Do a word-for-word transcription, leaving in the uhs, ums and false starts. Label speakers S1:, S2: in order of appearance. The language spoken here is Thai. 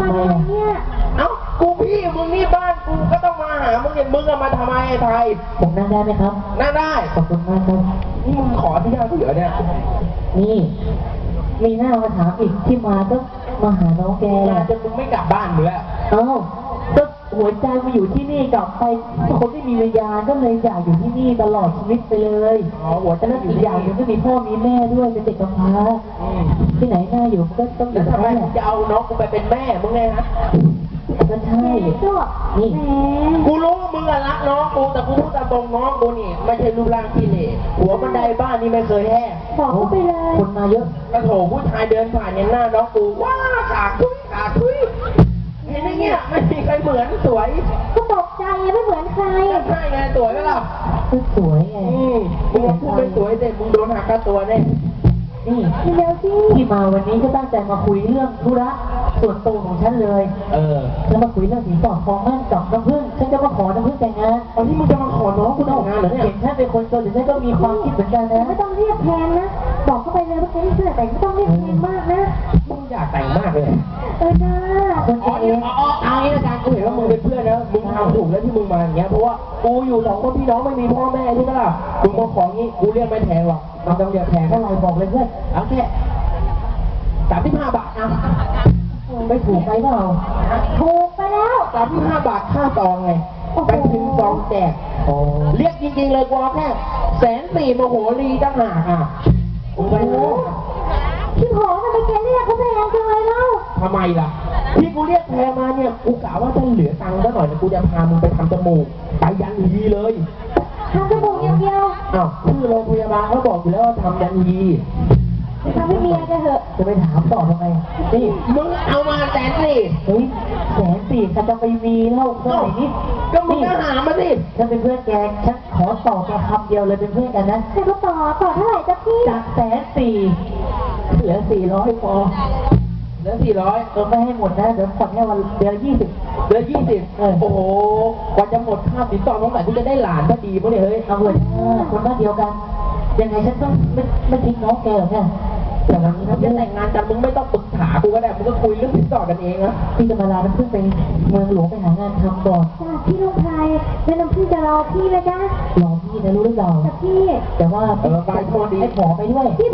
S1: ทำไมเนี่ยเอ้ากูพี่มึงนี่บ้านกูก็ต้องมาหามึงเนี่ยมึงอะมาทำไมไอ้ไทย
S2: ผมนั่งได้ไหมครับ
S1: นั่งได้
S2: ขอบคุณมากครับ
S1: นี่มึงขอที่นั่งกูเหรอเนี่ย
S2: นี่มีหน้ามาถามอีกที่มาก็มาหาน้องแก
S1: มาจนมึงไม่กลับบ้านมึงแล้ว
S2: เอ้าก็หัวใจมาอยู่ที่นี่กลับไปคนที่มีวิญญาณก็เลยอยากอยู่ที่นี่ตลอดชีวิตไปเลย
S1: อ๋อหัวใจ
S2: แล้วอีกอย่างหนึ่งก็มีพ่อมีแม่ด้วยเป็นเด็กกำพร้าที่ไหนน่าอยู่ก็ต้องอยู่
S1: ทำไมมึงจะเอาน้องกูไปเป็นแม่มึงไงฮะ
S2: ก็ใช่นี่
S1: กูรู้มึงอะรักน้องกูแต่กูพูดตามตรงน้องกูนี่ไม่ใช่รูปร่างที่เหล่หัวบันไดบ้านนี่ไม่เคยแห้
S2: บอกเขาไปเลยคนมาเยอะ
S1: กระโถผู้ชายเดินผ่านเนี่ยหน้าน้องกูว้าขาทุยขาทุยเห็นอย่างเงี้ยไม่มีใครเหมือนสวย
S3: ก็ตกใจไม่เหมือนใคร
S1: ใช่ไงสวยไหมล่ะ
S2: สวยไง
S1: มึงพูดเป็นสวยเด็มึงโดนหักค่าตัวแน่
S2: นี่
S3: เร็วสิ
S2: ที่มาวันนี้ก็ตั้งใจมาคุยเรื่องธุระส่วนตัวของฉันเลย
S1: เออ
S2: แล้วมาคุยเรื่องสินสอดทองมั่นกับน้ำผึ้งฉันจะมาขอน้ำผึ้งแต่งงาน
S1: ตอนนี้มึงจะมาขอน้องกูแต่งงานเหรอเนี่ย
S2: เห็นฉันเป็นคนจนหรือฉันก็มีความคิดเหมือนกันนะ
S3: ไม่ต้องเรียกแพงนะบอกเข้าไปเลยว่าแค่นี้เสื้อแต่ไม่ต้องเรียกแพงมากนะ
S1: มึงอยากแต่งมากเลย
S3: เออนะ
S2: คนเอง
S1: อ๋อเอางี้ละกันกูเห็นว่ามึงเป็นเพื่อนนะมึงทำถูกแล้วที่มึงมาอย่างเงี้ยเพราะว่ากูอยู่สองคนพี่น้องไม่มีพ่อแม่ใช่ไหมล่ะมึงมาของี้กูเรียกไม่แพงหรอกมันต้องเรียกแพง
S2: เท่าไหร่บอกเลยเพื่อน
S1: เอาแค่สามสิบห้าบาทนะ
S2: ไม่ถูกไปเปล่า
S3: ถูกไปแล้ว
S1: สามสิบห้าบาทค่าซองไงไปถึงซองแจกเรียกจริงๆเลยกูเอาแค่แสนสี่โมโหรีตั้งหากอ่ะโอ้โห
S3: พี่หอทำไมแกเรียกเขาแพงจังเลยเล่า
S1: ทำไมล่ะที่กูเรียกแพงมาเนี่ยกูกะว่าจะเหลือตังค์ซะหน่อยนะกูจะพามึงไปทำจมูกไปยันยีเลย
S3: ทำจมูกอย่างเดียว
S1: อ้าวชื่อโรงพยาบาลเขาบอกอยู่แล้วว่าทำยันยี
S3: ทำให้เมียจะเหอะ
S2: จะไปถามต่อทำไม
S1: นี่มึงเอามาแสนสี่
S2: เฮ้ยแสนสี่ฉันจะไปมีเล่าเท่าไหร่นี่
S1: ก็มึงก็หามาสิ
S2: ฉันเป็นเพื่อนแกฉันขอต่อแค่คำเดียวเลยเป็นเพื่อนกันนะ
S3: แต่ก็ต่อต่อเท่าไหร่จ๊ะพี่
S2: จากแสนสี่เหลือสี่ร้อยพอ
S1: เหลือสี่ร้อย
S2: เออไม่ให้หมดนะเดี๋ยวผ่อนแค่วันเดือนยี่สิบ
S1: เหลือยี่สิบโอ้โหกว่าจะหมดค่าสินสอดตรงไหนที่จะได้หลานก็ดีมั้งเนี่ยเฮ้ย
S2: เอาเลยคนบ้านเดียวกันยังไงฉันต้องไม่ไม่ทิ้งน้องแกหรอกเนี่ย
S1: แต่วันนี้ถ้าจะแต่งงานกันมึงไม่ต้องปรึกษากูก็ได้มึงก็คุยเรื่องสินสอดกันเองนะ
S2: พี่จะมาลาน้ำพึ่งไปเมืองหลวงไปหางานทำก่อน
S3: จ้าพี่ลูกชายแม่น้ำพึ่งจะรอพี่ไหมจ๊ะ
S2: รอพี่นะรู้หรือเปล่า
S3: จ้ะพี่
S2: แต่ว่า
S1: เออไปโทษดี
S2: ให้ขอไปด้วย